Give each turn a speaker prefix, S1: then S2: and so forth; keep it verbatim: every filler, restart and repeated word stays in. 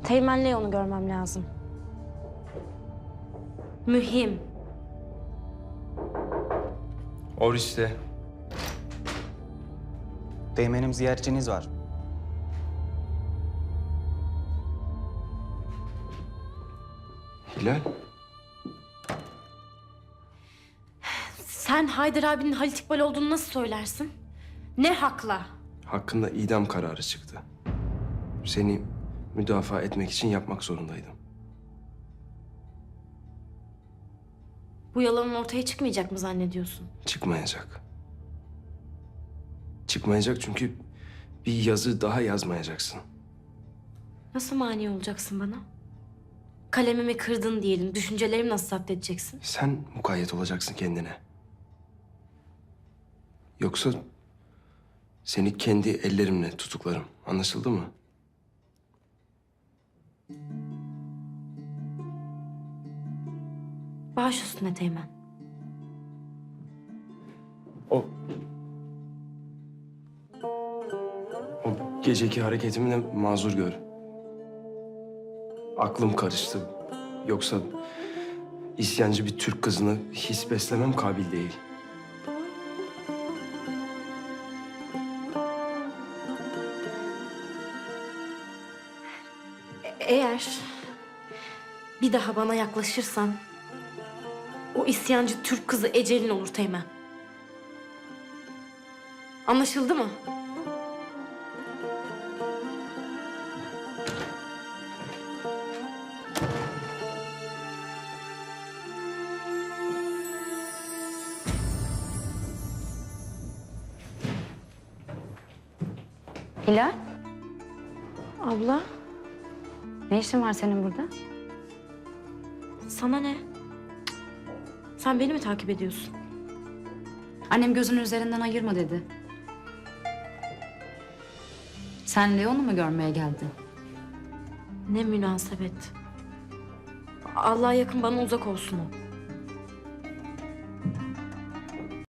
S1: Teğmen Leon'u görmem lazım. Mühim.
S2: Oris'te.
S3: Teğmenim ziyaretçiniz var.
S2: Hilal.
S1: Sen Haydar abinin Halit İkbal olduğunu nasıl söylersin? Ne hakla?
S2: Hakkında idam kararı çıktı. Seni müdafaa etmek için yapmak zorundaydım.
S1: Bu yalanın ortaya çıkmayacak mı zannediyorsun?
S2: Çıkmayacak. Çıkmayacak çünkü bir yazı daha yazmayacaksın.
S1: Nasıl mani olacaksın bana? Kalemimi kırdın diyelim. Düşüncelerimi nasıl zapt edeceksin?
S2: Sen mukayyet olacaksın kendine. Yoksa seni kendi ellerimle tutuklarım. Anlaşıldı mı?
S1: Baş üstüne Teğmen.
S2: O... O geceki hareketimi de mazur gör. Aklım karıştı. Yoksa isyancı bir Türk kızını his beslemem kabil değil.
S1: Eğer bir daha bana yaklaşırsan o isyancı Türk kızı ecelin olur Teğmen. Anlaşıldı mı?
S4: Hilal,
S1: Abla,
S4: ne işin var senin burada?
S1: sana ne? Sen beni mi takip ediyorsun?
S4: Annem gözünün üzerinden ayırma dedi. Sen Leon'u mu görmeye geldin?
S1: Ne münasebet. Allah'a yakın bana uzak olsun o.